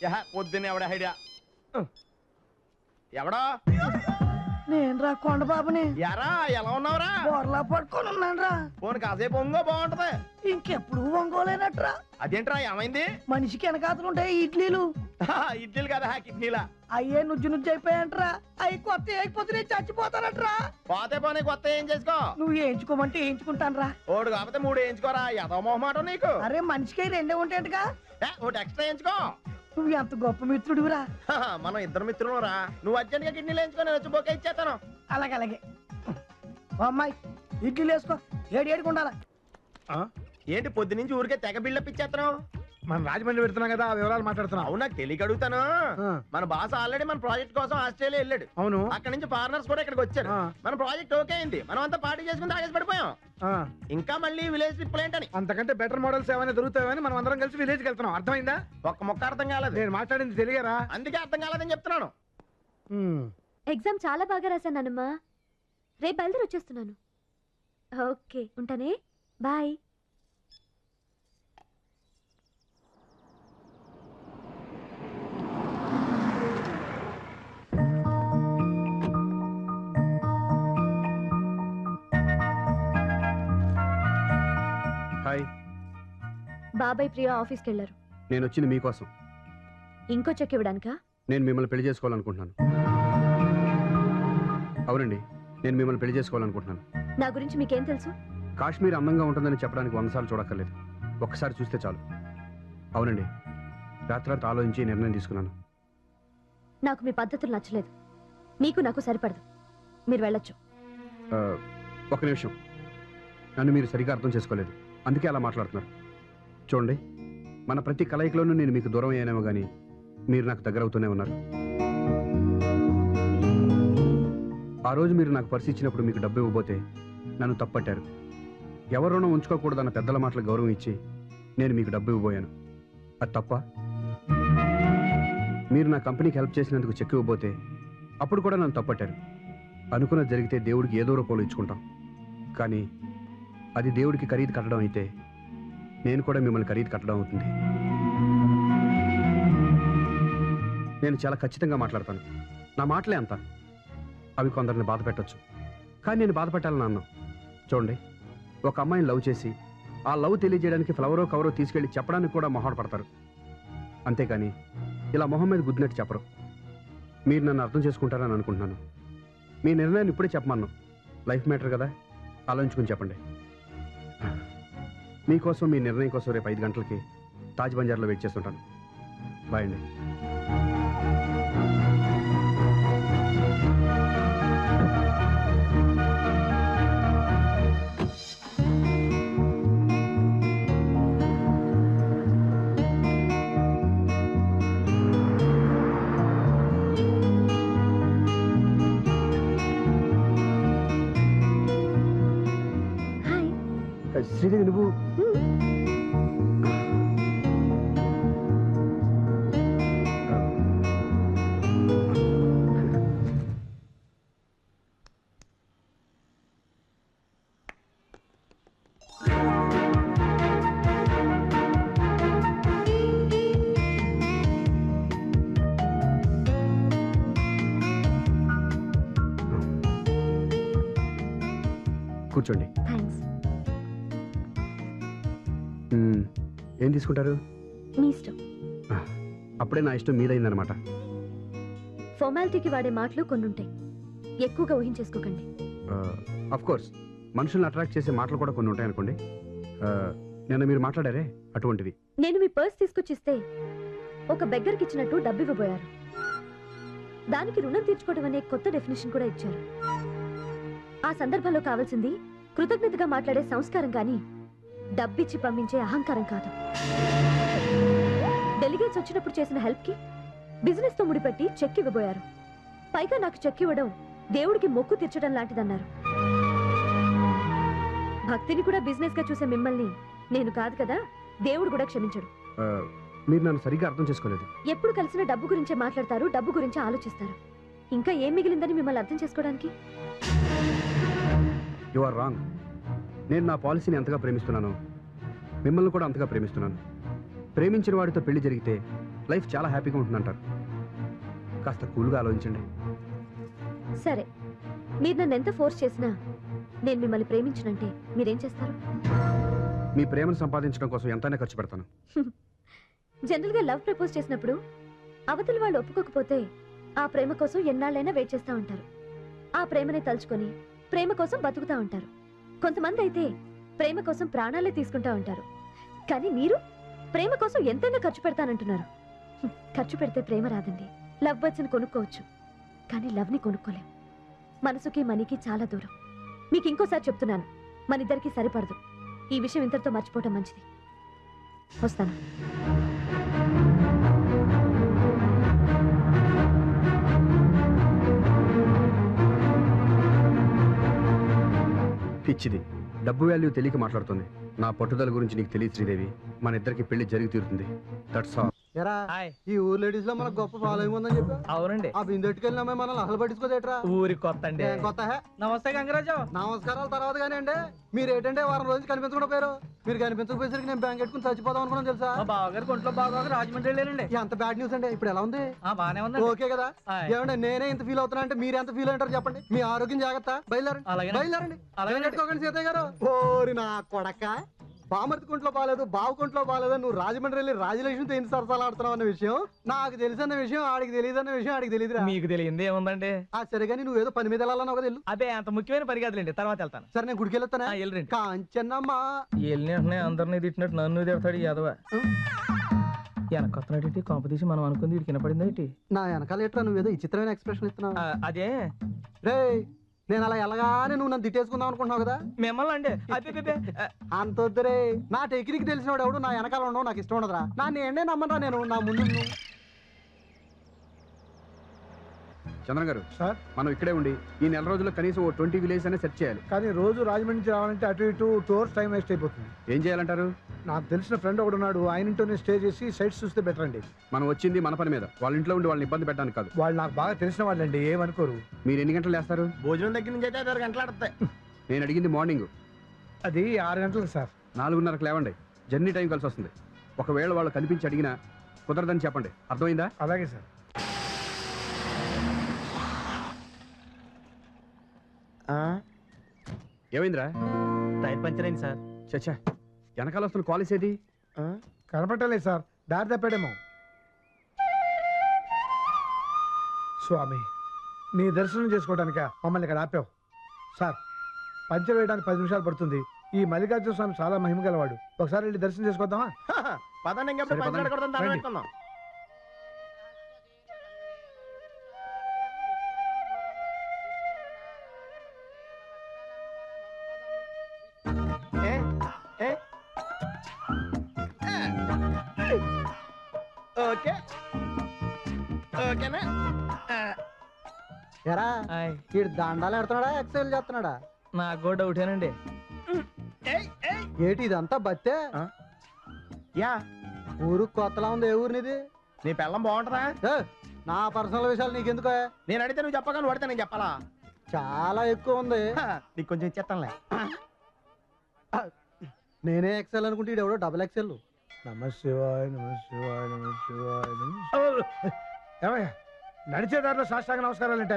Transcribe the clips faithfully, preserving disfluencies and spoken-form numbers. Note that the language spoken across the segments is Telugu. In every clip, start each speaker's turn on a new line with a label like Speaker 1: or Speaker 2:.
Speaker 1: యహ పొద్దున్న ఎవడ ఐడియా ఎవడా
Speaker 2: నేను రా కొండబాబుని.
Speaker 1: ఎరా ఎలా ఉన్నావురా?
Speaker 2: బోర్లా పట్టుకొని ఉన్నాను రా.
Speaker 1: ఫోన్ కాసేపు ఒంగో బాగుంటది.
Speaker 2: ఇంకెప్పుడు ఒంగోలేనట్రా.
Speaker 1: అదేంట్రా ఏమైంది?
Speaker 2: మనిషికి వెనకాతలు ఉంటాయి ఇడ్లీలు.
Speaker 1: ఇడ్లీలు కదా కిడ్నీలా.
Speaker 2: అయ్యే నుజ్జు నుజ్జు అయిపోయాయంట్రా. అవి కొత్త వేయకపోతే నేను చచ్చిపోతానట్రా.
Speaker 1: పోతే పోనీ కొత్త ఏం చేసుకో.
Speaker 2: నువ్వు వేయించుకోమంటే వేయించుకుంటాను రా.
Speaker 1: ఓడు కాకపోతే మూడు వేయించుకోరా. ఎదో మొహమాట నీకు.
Speaker 2: అరే మనిషికి రెండే ఉంటాయంటగా.
Speaker 1: ఒకటి ఎక్స్ట్రా వేయించుకో.
Speaker 2: నువ్వు ఎంత గొప్ప మిత్రుడివిరా.
Speaker 1: మనం ఇద్దరు మిత్రులు రా. నువ్వు అర్జెంట్ గా కిడ్నీలు వేయించుకో, నేను వచ్చి బొక్క ఇచ్చేస్తాను.
Speaker 2: అలాగే అలాగే. అమ్మాయి ఇడ్లీలు వేసుకో. ఏడు ఏడుకు ఉండాలా.
Speaker 1: ఏంటి పొద్దు నుంచి ఊరికే తెగ బిల్డప్ ఇచ్చేస్తున్నావు?
Speaker 3: మనం రాజమండ్రి పెడుతున్నాం కదా, ఆ వివరాలు మాట్లాడుతున్నాం.
Speaker 1: అవునా? తెలియక అడుగుతాను. మన బాస్ ఆల్రెడీ మన ప్రాజెక్ట్ కోసం ఆస్ట్రేలియా వెళ్ళాడు.
Speaker 3: అవును.
Speaker 1: అక్కడ నుంచి ఫారినర్స్ కూడా ఇక్కడికి వచ్చారు. మన ప్రాజెక్ట్ ఓకే అయింది. మనం అంతా పార్టీ చేసుకుని తాగేసి పడిపోయాం. ఇంకా మళ్ళీ విలేజ్ ట్రిప్ ఏంటని.
Speaker 3: అంతకంటే బెటర్ మోడల్స్ ఏమైనా దొరుకుతాయని మనం అందరం కలిసి విలేజ్కి వెళ్తున్నాం. అర్థమైందా?
Speaker 1: ఒక్క మొక్క అర్థం కాలేదు.
Speaker 3: నేను మాట్లాడింది తెలియరా?
Speaker 1: అందుకే అర్థం కాలేదని చెప్తున్నాను.
Speaker 4: ఎగ్జామ్ చాలా బాగా రాశానమ్మా. రేపు బయలుదేరి వచ్చేస్తున్నాను. ఓకే ఉంటానే. బాయ్.
Speaker 5: హాయ్.
Speaker 4: బాబాయ్ ప్రియా ఆఫీస్కి వెళ్ళారు.
Speaker 5: నేను వచ్చింది మీకోసం.
Speaker 4: ఇంకో చెక్ ఇవ్వడానికా?
Speaker 5: నేను మిమ్మల్ని పెళ్లి చేసుకోవాలనుకుంటున్నాను. అవునండి, నేను మిమ్మల్ని పెళ్లి చేసుకోవాలనుకుంటున్నాను.
Speaker 4: నా గురించి మీకేం తెలుసు?
Speaker 5: కాశ్మీర్ అందంగా ఉంటుందని చెప్పడానికి వంద సార్లు చూడక్కర్లేదు, ఒక్కసారి చూస్తే చాలు. అవునండి, రాత్రంతా ఆలోచించి నిర్ణయం తీసుకున్నాను.
Speaker 4: నాకు మీ పద్ధతులు నచ్చలేదు. మీకు నాకు సరిపడదు. మీరు వెళ్ళొచ్చు.
Speaker 5: ఒక నిమిషం, నన్ను మీరు సరిగా అర్థం చేసుకోలేదు, అందుకే అలా మాట్లాడుతున్నారు. చూడండి, మన ప్రతి కలయికలోనూ నేను మీకు దూరం అయ్యానేమో కానీ మీరు నాకు దగ్గర అవుతూనే ఉన్నారు. ఆ రోజు మీరు నాకు పర్సు ఇచ్చినప్పుడు మీకు డబ్బు ఇవ్వబోతే నన్ను తప్పట్టారు. ఎవరోనో ఉంచుకోకూడదన్న పెద్దల మాటలకు గౌరవం ఇచ్చి నేను మీకు డబ్బు ఇవ్వబోయాను. అది తప్ప? మీరు నా కంపెనీకి హెల్ప్ చేసినందుకు చెక్ ఇవ్వబోతే అప్పుడు కూడా నన్ను తప్పట్టారు. అనుకున్నది జరిగితే దేవుడికి ఏదో రూపంలో ఇచ్చుకుంటాం, కానీ అది దేవుడికి ఖరీదు కట్టడం అయితే నేను కూడా మిమ్మల్ని ఖరీదు కట్టడం అవుతుంది. నేను చాలా ఖచ్చితంగా మాట్లాడతాను. నా మాటలే అంత. అవి కొందరిని బాధ పెట్టచ్చు, కానీ నేను బాధ పెట్టాలని అన్నాను. చూడండి, ఒక అమ్మాయిని లవ్ చేసి ఆ లవ్ తెలియజేయడానికి ఫ్లవరో కవరో తీసుకెళ్ళి చెప్పడానికి కూడా మొహాట పడతారు, అంతేకాని ఇలా మొహం మీద గుద్దినట్టు చెప్పరు. మీరు నన్ను అర్థం చేసుకుంటారని అనుకుంటున్నాను. మీ నిర్ణయాన్ని ఇప్పుడే చెప్పమన్నాను. లైఫ్ మ్యాటర్ కదా, ఆలోచించుకుని చెప్పండి. మీకోసం, మీ నిర్ణయం కోసం రేపు ఐదు గంటలకి తాజ్ బంజార్లో వెయిట్ చేస్తుంటాను. బాయ్ అండి. శ్రీదేవి, నువ్వు కూర్చోండి. ఏం తీసుకుంటారు?
Speaker 4: మీ ఇష్టం.
Speaker 5: అప్పుడే నా ఇష్టం మీదైందనమాట.
Speaker 4: ఫార్మాలిటీకి వాడే మాటలు కొన్ని ఉంటాయి, ఎక్కువగా ఊహించేసుకోకండి.
Speaker 5: ఆఫ్ కోర్స్, మనుషుల్ని అట్రాక్ట్ చేసే మాటలు కూడా కొన్ని ఉంటాయి అనుకోండి. నిన్న మీరు మాట్లాడారే అటువంటివి.
Speaker 4: నేను మీ పర్స్ తీసుకొచ్చిస్తే ఒక బెగ్గర్కి ఇచ్చినట్టు డబ్బు ఇవ్వబోయారు. దానికి రుణం తీర్చుకోవడం అనే కొత్త డెఫినేషన్ కూడా ఇచ్చారు. ఆ సందర్భంలో కావాల్సింది కృతజ్ఞతగా మాట్లాడే సంస్కారం కానీ డబ్బిచ్చి పంపించే అహంకారం కాదు. డెలిగేట్స్ వచ్చినప్పుడు చేసిన హెల్ప్ కి బిజినెస్ తో ముడిపెట్టి చెక్ ఇవ్వబోయారు. పైగా నాకు చెక్ ఇవ్వడం దేవుడికి మొక్కు తీర్చడం లాంటిదన్నారు. భక్తిని కూడా బిజినెస్ గా చూసే మిమ్మల్ని నేను కాదు కదా, దేవుడు కూడా క్షమించడు.
Speaker 5: మీరు నన్ను సరిగ్గా అర్థం చేసుకోలేదు.
Speaker 4: ఎప్పుడు కలిసిన డబ్బు గురించే మాట్లాడతారు, డబ్బు గురించి ఆలోచిస్తారు. ఇంకా ఏం మిగిలిందని మిమ్మల్ని అర్థం చేసుకోవడానికి?
Speaker 5: You are wrong. నేను నా పాలసీని ఎంతగా ప్రేమిస్తున్నానో మిమ్మల్ని కూడా అంతగా ప్రేమిస్తున్నాను. ప్రేమించిన వాడితో పెళ్లి జరిగితే లైఫ్ చాలా హ్యాపీగా ఉంటుందంటారు. కాస్త కూల్గా ఆలోచించండి.
Speaker 4: సరే, మీరు నన్ను ఎంత ఫోర్స్ చేసినా నేను మిమ్మల్ని ప్రేమించనంటే మీరేం చేస్తారు?
Speaker 5: మీ ప్రేమను సంపాదించడం కోసం ఎంతైనా ఖర్చు పెడతాను.
Speaker 4: జనరల్గా లవ్ ప్రపోజ్ చేసినప్పుడు అవతలి వాళ్ళు ఒప్పుకోకపోతే ఆ ప్రేమ కోసం ఎన్నాళ్ళైనా వెయిట్ చేస్తూ ఉంటారు. ఆ ప్రేమని తలుచుకొని ప్రేమ కోసం బతుకుతా ఉంటారు. కొంతమంది అయితే ప్రేమ కోసం ప్రాణాలే తీసుకుంటా ఉంటారు. కానీ మీరు ప్రేమ కోసం ఎంతైనా ఖర్చు పెడతానంటున్నారు. హ్మ్, ఖర్చు పెడితే ప్రేమ రాదండి. లవ్ బర్డ్స్ని కొనుక్కోవచ్చు, కానీ లవ్ని కొనుక్కోలేం. మనసుకి మనీకి చాలా దూరం. మీకు ఇంకోసారి చెప్తున్నాను, మన ఇద్దరికి సరిపడదు. ఈ విషయం ఇంతటితో మర్చిపోవటం మంచిది. వస్తాను.
Speaker 5: పిచ్చిది, డబ్బు వాల్యూ తెలియక మాట్లాడుతుంది. నా పట్టుదల గురించి నీకు తెలియదు శ్రీదేవి. మన ఇద్దరికి పెళ్లి జరిగి తీరుతుంది. That's all.
Speaker 6: ఎరా ఈ ఊరు లేడీస్ లో మనకు గొప్ప ఫాలోయింగ్ ఉందని చెప్పి.
Speaker 7: అవునండి.
Speaker 6: ఆ బిందెట్టుకెళ్ళిన అమ్మాయి మనల్ని అసలు పట్టించుకోదేట్రా.
Speaker 7: ఊరి కొత్త అండి.
Speaker 6: ఏం కొత్త హే?
Speaker 7: నమస్తే గంగరాజు.
Speaker 6: నమస్కారాల తర్వాత కానీ అండి మీరు ఏంటంటే వారం రోజులు కనిపించకుండా పోయారు. మీరు కనిపించకపోయేసరికి నేను బ్యాంక్ పెట్టుకుని చచ్చిపోదాం అనుకున్నాను తెలుసా.
Speaker 7: మా బావగారు కొంట్లో బాగా రాజమండ్రి వెళ్ళారండి.
Speaker 6: ఎంత బ్యాడ్ న్యూస్ అండి. ఇప్పుడు ఎలా ఉంది?
Speaker 7: ఆ బానే ఉంది.
Speaker 6: ఓకే కదా.
Speaker 7: ఆయ్.
Speaker 6: ఏమంటే నేనే ఇంత ఫీల్ అవుతున్నా అంటే మీరు ఎంత ఫీల్ అంటారు చెప్పండి. మీ ఆరోగ్యం జాగ్రత్త. బయలుదేరండి
Speaker 7: అలాగే.
Speaker 6: బయలుదేరండి.
Speaker 7: అలాగే.
Speaker 6: పెట్టుకోకండి సీతయ్య గారు. ఓరి నా కొడక, బామర్తి కుంట్లో బాగాలేదు, బావు కుంట్లో బాగాలేదు, నువ్వు రాజమండ్రి వెళ్ళి రాజలక్ష్మితో ఎన్ని సరసాలు ఆడుతున్నావు అన్న విషయం నాకు తెలిసన్న విషయం ఆడికి తెలియదు అన్న విషయం ఆడికి తెలియదురా.
Speaker 7: మీకు తెలియంది ఏముందండి.
Speaker 6: ఆ సరే కానీ నువ్వు ఏదో పని మీద వెళ్ళాలని ఒక తెలు.
Speaker 7: అదే అంత ముఖ్యమైన పని కాదులేండి, తర్వాత వెళ్తాను.
Speaker 6: సరే నేను గుడికి వెళ్తానా.
Speaker 7: వెళ్ళండి.
Speaker 6: కాంచన్నమ్మా
Speaker 7: వెళ్ళిన అందరినీ తిట్టినట్టు నన్ను తిడతాడు యాదవ. వెనకొత్తనటి కాంపిటీషన్ మనం అనుకుంది వీడికి వినపడింది ఏంటి?
Speaker 6: నా వెనకాల ఎట్లా నువ్వేదో విచిత్రమైన ఎక్స్ప్రెషన్ ఇస్తున్నావు.
Speaker 7: అదే
Speaker 6: రే నేను అలా ఎలాగానే నువ్వు నన్ను తిట్టేసుకుందాం అనుకుంటున్నావు కదా.
Speaker 7: మిమ్మల్ని అండి. అదే
Speaker 6: అంత వద్దురే. నా టెక్నిక్ తెలిసినవాడు ఎవడు నా వెనకాల ఉండవు నాకు ఇష్టం ఉండదురా. నా నేనే నమ్మరా నేను నా ముందు.
Speaker 5: చంద్ర గారు
Speaker 3: సార్,
Speaker 5: మనం ఇక్కడే ఉండి ఈ నెల రోజుల్లో కనీసం ఓ ట్వంటీ విలేజ్ అనే సెర్చ్ చేయాలి.
Speaker 3: కానీ రోజు రాజమండ్రి నుంచి రావాలంటే అటు ఇటు టూర్స్ టైం వేస్ట్ అయిపోతుంది.
Speaker 5: ఏం చేయాలంటారు?
Speaker 3: నాకు తెలిసిన ఫ్రెండ్ ఒకడు ఉన్నాడు, ఆయన ఇంట్లోనే స్టే చేసి సైట్స్ చూస్తే బెటర్ అండి.
Speaker 5: మనం వచ్చింది మన పని మీద, వాళ్ళ ఇంట్లో ఉండి వాళ్ళని ఇబ్బంది పెట్టడానికి కాదు.
Speaker 3: వాళ్ళు నాకు బాగా తెలిసిన వాళ్ళండి, ఏమనుకోరు.
Speaker 5: మీరు ఎన్ని గంటలు లేస్తారు?
Speaker 1: భోజనం దగ్గర నుంచి అయితే ఐదారు గంటలు ఆడతాయి.
Speaker 5: నేను అడిగింది మార్నింగ్.
Speaker 3: అది ఆరు గంటలకు సార్.
Speaker 5: నాలుగున్నరకు లేవండి, జర్నీ టైం కలిసి వస్తుంది. ఒకవేళ వాళ్ళు కనిపించి అడిగినా కుదరదని చెప్పండి, అర్థమైందా?
Speaker 3: అలాగే సార్.
Speaker 5: ఏమైందిరా?
Speaker 7: టైర్ పంచర్ అయింది సార్.
Speaker 5: చచ్చా, వెనకాల వస్తున్న కాలేజ్ ఏది?
Speaker 3: కనపట్టలేదు సార్, దారి తప్పాడేమో. స్వామి, నీ దర్శనం చేసుకోవడానిక మమ్మల్ని ఇక్కడ ఆపావు. సార్, పంచర్ వేయడానికి పది నిమిషాలు పడుతుంది. ఈ మల్లికార్జున స్వామి చాలా మహిమ గలవాడు. ఒకసారి వెళ్ళి దర్శనం చేసుకొద్దామా?
Speaker 1: పదండి, ఇంకెప్పుడు
Speaker 5: సరే, పదండి.
Speaker 1: పంచాడకూడదని దండం
Speaker 3: రండి.
Speaker 1: పెట్టుకుందాం. ఏ? ఏ? ఓకే ఓకేనా?
Speaker 6: ఎరా
Speaker 7: ఆయ్.
Speaker 6: వీడు దండాలు ఎడుతున్నాడా ఎక్సైల్ చేస్తున్నాడా?
Speaker 7: నాకు కూడా డౌటేనండి.
Speaker 1: ఏయ్, ఏయ్.
Speaker 6: ఏటి ఇదంతా బత్తే?
Speaker 1: యా,
Speaker 6: ఊరు కొత్తలా ఉంది. ఏ ఊరినిది?
Speaker 1: నీ పెళ్ళం బాగుంటుందా?
Speaker 6: ఏ, నా పర్సనల్ విషయాలు నీకెందుకు?
Speaker 1: నేను అడిగితే నువ్వు చెప్పగా నువ్వు అడితే నేను చెప్పాలా?
Speaker 6: చాలా ఎక్కువ ఉంది.
Speaker 1: హ, నీకు కొంచెం ఇచ్చేస్తానులే.
Speaker 6: నేనే ఎక్సెల్ అనుకుంటే ఈడు ఎవడో డబుల్ ఎక్సెల్.
Speaker 3: నమ శివాయ, నమ శివాయ, నమ శివాయ, నమ శివాయ. ఏమయ్యా, నడిచే దారిలో సాష్టాంగ నమస్కారాలంటే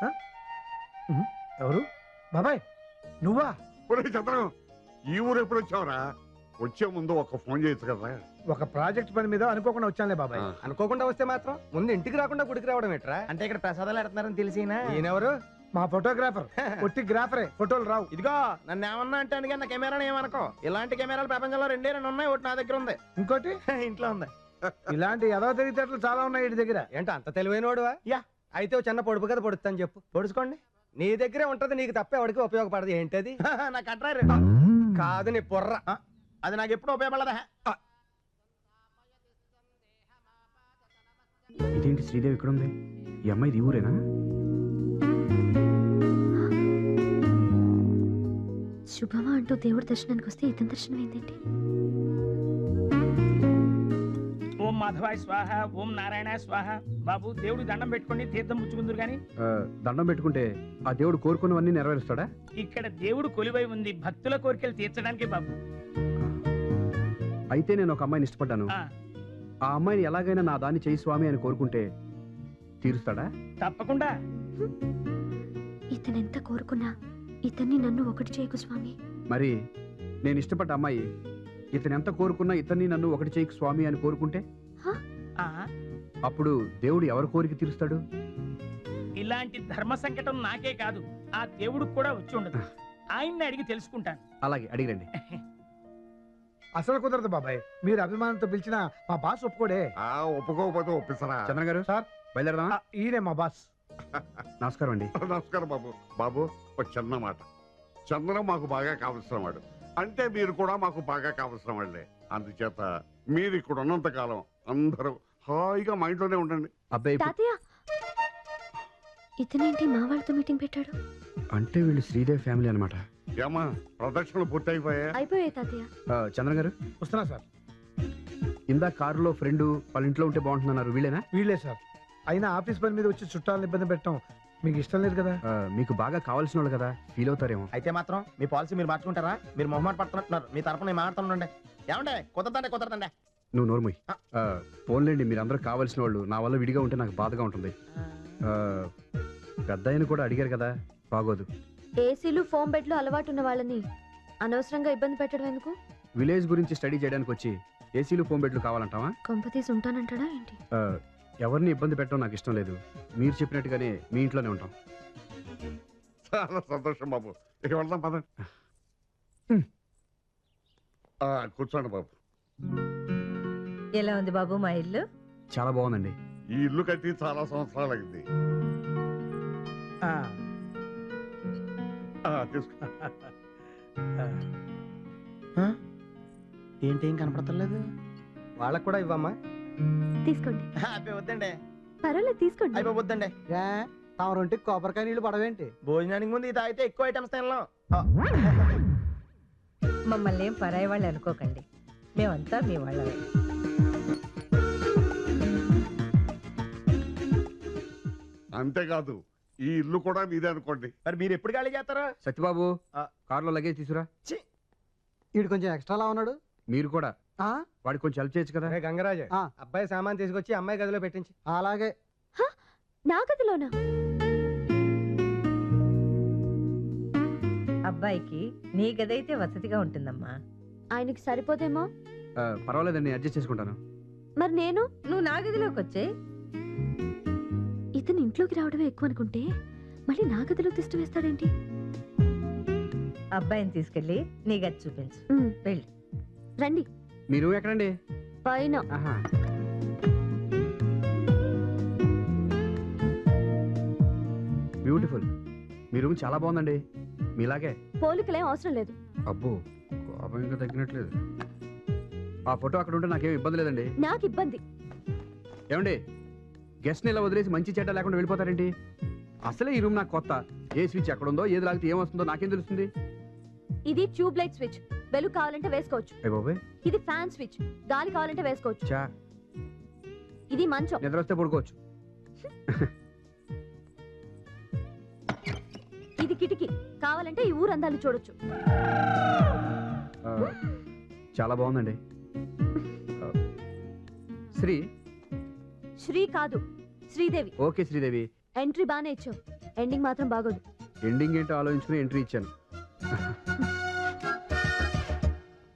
Speaker 3: ఎవరు? బాబాయ్ నువ్వా?
Speaker 8: ఒరేయ్ చంద్రం, ఈ ఊరు ఎప్పుడు వచ్చావురా? వచ్చే ముందు ఒక ఫోన్ చేయొచ్చు కదా.
Speaker 3: ఒక ప్రాజెక్ట్ పని మీద అనుకోకుండా వచ్చానులే బాబాయ్.
Speaker 6: అనుకోకుండా వస్తే మాత్రం ముందు ఇంటికి రాకుండా గుడికి రావడం ఎట్రా?
Speaker 1: అంటే ఇక్కడ ప్రసాదాలు ఎడుతున్నారని తెలిసినా
Speaker 6: ఈయనెవరు?
Speaker 3: మా ఫోటోగ్రాఫర్. ఒట్టి గ్రాఫరే, ఫోటోలు రావు.
Speaker 1: ఇదిగో నన్ను ఏమన్నా అంటే అందుకే నా కెమెరాని ఏమనుకో. ఇలాంటి కెమెరాలు ప్రపంచంలో రెండే రెండు ఉన్నాయి, ఒకటి నా దగ్గర ఉంది,
Speaker 3: ఇంకోటి
Speaker 1: ఇంట్లో ఉంది.
Speaker 3: ఇలాంటి ఎదవ తెలివితేటలు చాలా ఉన్నాయి వీడి దగ్గర.
Speaker 6: ఏంటో అంత తెలివైనోడువా?
Speaker 1: యా.
Speaker 6: అయితే ఓ చిన్న పొడుపు కదా పొడుస్తాను చెప్పు.
Speaker 1: పొడుచుకోండి.
Speaker 6: నీ దగ్గరే ఉంటది, నీకు తప్ప ఎవరికి ఉపయోగపడదు. ఏంటది?
Speaker 1: నా కట్రారు
Speaker 6: కాదు నీ పొర్ర.
Speaker 1: అది నాకు ఎప్పుడు ఉపయోగపడదా?
Speaker 5: ఇదేంటి శ్రీదేవి ఇక్కడ ఉంది? ఈ అమ్మాయి ఈ ఊరేనా?
Speaker 4: శుభమా అంటూ దేవుడి దర్శనానికి వస్తే ఇతని దర్శనం ఏంటండి?
Speaker 9: ఓం మాధవాయ స్వాహ, ఓం నారాయణ స్వాహ. బాబు, దేవుడు దండం పెట్టుకోండి, తీర్థం పుచ్చుకుందరు గాని.
Speaker 5: ఆ, దండం పెట్టుకుంటే ఆ దేవుడు కోరుకున్నవన్నీ నెరవేరుస్తాడా?
Speaker 9: ఇక్కడ దేవుడు కొలువై ఉంది భక్తుల కోరికలు తీర్చడానికి బాబు.
Speaker 5: అయితే నేను ఒక అమ్మాయిని ఇష్టపడ్డాను.
Speaker 9: ఆ.
Speaker 5: ఆ అమ్మాయిని ఎలాగైనా నా దాన్ని చేయి స్వామి అని కోరుకుంటే తీరుస్తాడా?
Speaker 9: తప్పకుండా.
Speaker 4: ఇతనెంత కోరుకున్నా ఇతన్ని నన్ను ఒకటి చేయకు స్వామి.
Speaker 5: మరి నేను ఇష్టపడ్డ అమ్మాయి ఇతను ఎంత కోరుకున్నా ఇతన్ని నన్ను ఒకటి చేయకు స్వామి అని కోరుకుంటే
Speaker 9: ఆ,
Speaker 5: అప్పుడు దేవుడు ఎవరి కోరిక తీరుస్తాడు?
Speaker 9: ఇలాంటి ధర్మ సంకటం నాకే కాదు ఆ దేవుడికి కూడా వచ్చి ఉండదు. ఆయన్ని అడిగి తెలుసుకుంటాను.
Speaker 5: అలాగే అడిగిరండి.
Speaker 3: అసలు కుదరదు బాబాయ్, మీరు అభిమానంతో పిలిచిన మా బాస్ ఒప్పుకోడే.
Speaker 8: ఆ ఒప్పుకోకపోతే ఒప్పిస్తారా?
Speaker 5: చంద్ర గారు
Speaker 3: సార్
Speaker 5: బయలుదేరదామా?
Speaker 3: ఆ, ఈయనే మా బాస్.
Speaker 5: నమస్కారం అండి.
Speaker 8: నమస్కారం బాబు. బాబు ఒక చిన్న మాట. చంద్రం మాకు బాగా కావలసిన వాడు, అంటే మీరు కూడా మాకు బాగా కావలసిన వాళ్ళే. అందుచేత మీరు ఇక్కడ ఉన్నంత కాలం అందరూ హాయిగా మా ఇంట్లోనే ఉండండి.
Speaker 5: అబ్బాయి
Speaker 4: తాతయ్య, ఇతనేంటి మా వాళ్ళతో మీటింగ్ పెట్టాడు?
Speaker 5: అంటే వీళ్ళు శ్రీదేవి ఫ్యామిలీ అనమాట.
Speaker 8: ఏమా ప్రదక్షిణలు పూర్తయిపోయా?
Speaker 4: అయిపోయాయి తాతయ్య.
Speaker 5: చంద్ర గారు
Speaker 3: వస్తున్నా సార్.
Speaker 5: ఇందా కారులో ఫ్రెండ్ వాళ్ళ ఇంట్లో ఉంటే బాగుంటుందన్నారు, వీళ్ళేనా?
Speaker 3: వీళ్ళే సార్. అయినా ఆఫీస్ పని మీద వచ్చి చుట్టాలను ఇబ్బంది పెట్టడం మీకు ఇష్టం లేదు కదా.
Speaker 5: ఆ, మీకు బాగా కావాల్సిన వాళ్ళు కదా, ఫీల్ అవుతారేమో.
Speaker 1: అయితే మాత్రం మీ పాలసీ మీరు మార్చుకుంటారా? మీరు మొహమాట పడుతున్నట్టున్నారు. మీ తరపున నేను మాట్లాడుతుండే. ఏమండే కుదరదండి కుదరదండి.
Speaker 5: నువ్వు నోర్మోయ్. ఫోన్లేండి, మీరందరూ కావాల్సిన వాళ్ళు. నా వల్ల విడిగా ఉంటే నాకు బాధగా ఉంటుంది. ఆ, పెద్ద ఆయన కూడా అడిగారు కదా, బాగోదు.
Speaker 4: ఏసీలు ఫోమ్ బెడ్లు అలవాటు ఉన్న వాళ్ళని అనవసరంగా ఇబ్బంది పెట్టడం ఎందుకు?
Speaker 5: విలేజ్ గురించి స్టడీ చేయడానికి వచ్చి ఏసీలు ఫోన్ బెడ్లు కావాలంటావా?
Speaker 4: కొంపతీసి ఉంటానంటాడా ఏంటి?
Speaker 5: ఆ, ఎవరిని ఇబ్బంది పెట్టడం నాకు ఇష్టం లేదు. మీరు చెప్పినట్టుగానే మీ ఇంట్లోనే ఉంటాం.
Speaker 8: చాలా సంతోషం బాబు. ఇక వెళ్దాం పదండి. ఆ, కూర్చోండి బాబు.
Speaker 10: ఎలా ఉంది బాబు మా ఇల్లు?
Speaker 5: చాలా బాగుందండి.
Speaker 8: ఈ ఇల్లు కట్టి చాలా సంవత్సరాలు అయింది.
Speaker 3: ఆ,
Speaker 8: తీసుకో.
Speaker 1: ఏంటి ఏం కనపడతలేదు?
Speaker 6: వాళ్ళకు కూడా ఇవ్వమ్మా.
Speaker 4: తీసుకోండి.
Speaker 1: అయిపోయి వద్దండి.
Speaker 4: పర్వాలేదు తీసుకోండి.
Speaker 1: అయిపోయి వద్దండి.
Speaker 6: తమ రొంటికి కొబ్బరికాయ నీళ్ళు పడవేంటి?
Speaker 1: భోజనానికి ముందు ఇది తాగితే ఎక్కువ ఐటమ్స్ తినలేం.
Speaker 10: మమ్మల్ని ఏం పరాయి వాళ్ళు అనుకోకండి, మేమంతా మీ వాళ్ళమే.
Speaker 8: అంతేకాదు ఈ ఇల్లు కూడా మీదే అనుకోండి.
Speaker 1: మరి మీరు ఎప్పుడు ఖాళీ చేస్తారా?
Speaker 5: సత్యబాబు,
Speaker 1: ఆ.
Speaker 5: కారులో లగేజ్ తీసుకురా.
Speaker 6: వీడు కొంచెం ఎక్స్ట్రాలా ఉన్నాడు.
Speaker 5: మీరు కూడా
Speaker 6: ఆ?
Speaker 5: వాడికి కొంచెం హెల్ప్ చేయొచ్చు కదా.
Speaker 3: గంగరాజు
Speaker 6: ఆ.
Speaker 3: అబ్బాయి సామాన్ తీసుకొచ్చి అమ్మాయి గదిలో పెట్టించి.
Speaker 6: అలాగే.
Speaker 4: నా గదిలోనా?
Speaker 10: అబ్బాయికి నీ గదైతే వసతిగా ఉంటుందమ్మా.
Speaker 4: ఆయనకి సరిపోదేమో.
Speaker 5: ఆ, పర్వాలేదండి, అడ్జస్ట్ చేసుకుంటాను.
Speaker 4: మరి నేను?
Speaker 10: నువ్వు నా గదిలోకి వచ్చే.
Speaker 4: ఇతను ఇంట్లోకి రావడమే ఎక్కువ అనుకుంటే మళ్ళీ నా గదిలో తిష్ట వేస్తాడేంటి?
Speaker 10: అబ్బాయిని తీసుకెళ్ళి నీ గది చూపించు.
Speaker 4: ఉమ్,
Speaker 10: వెళ్ళి.
Speaker 4: రండి.
Speaker 5: మీరు ఎక్కడండి?
Speaker 4: పైన.
Speaker 5: ఆహా. బ్యూటిఫుల్. మీ రూమ్ చాలా బాగుందండి. మీలాగే.
Speaker 4: పోలికలేం అవసరం లేదు.
Speaker 5: అబ్బో, కోపం ఇంకా తగ్గినట్లేదు. ఆ ఫోటో అక్కడ ఉంటే నాకేం ఇబ్బంది లేదండి.
Speaker 4: నాకు ఇబ్బంది.
Speaker 5: ఏమండి, గెస్ట్ని ఇలా వదిలేసి మంచి చెడ్డ లేకుండా వెళ్ళిపోతారేంటి? అసలే ఈ రూమ్ నాకు కొత్త. ఏ స్విచ్ ఎక్కడ ఉందో, ఏది లాగితే ఏమొస్తుందో నాకేం తెలుస్తుంది?
Speaker 4: ఇది ట్యూబ్ లైట్ స్విచ్. వెలుగు కావాలంటే వేసుకోవచ్చు.
Speaker 5: అయ్య బాబోయ్.
Speaker 4: ఇది ఫ్యాన్ స్విచ్. గాలి కావాలంటే వేసుకోవచ్చు.
Speaker 5: చా,
Speaker 4: ఇది మంచం.
Speaker 5: నిద్ర వస్తే పడుకోవచ్చు.
Speaker 4: ఇది కిటికీ. కావాలంటే ఈ ఊరు అందాలు చూడొచ్చు.
Speaker 5: ఆ, చాలా బాగుందండి. ఆ, శ్రీ
Speaker 4: శ్రీ కాదు, శ్రీదేవి.
Speaker 5: ఓకే శ్రీదేవి.
Speaker 4: ఎంట్రీ బానే ఇచ్చావు, ఎండింగ్ మాత్రం బాగోదు.
Speaker 5: ఎండింగ్ ఏంటో ఆలోచించుకుని ఎంట్రీ ఇచ్చాను.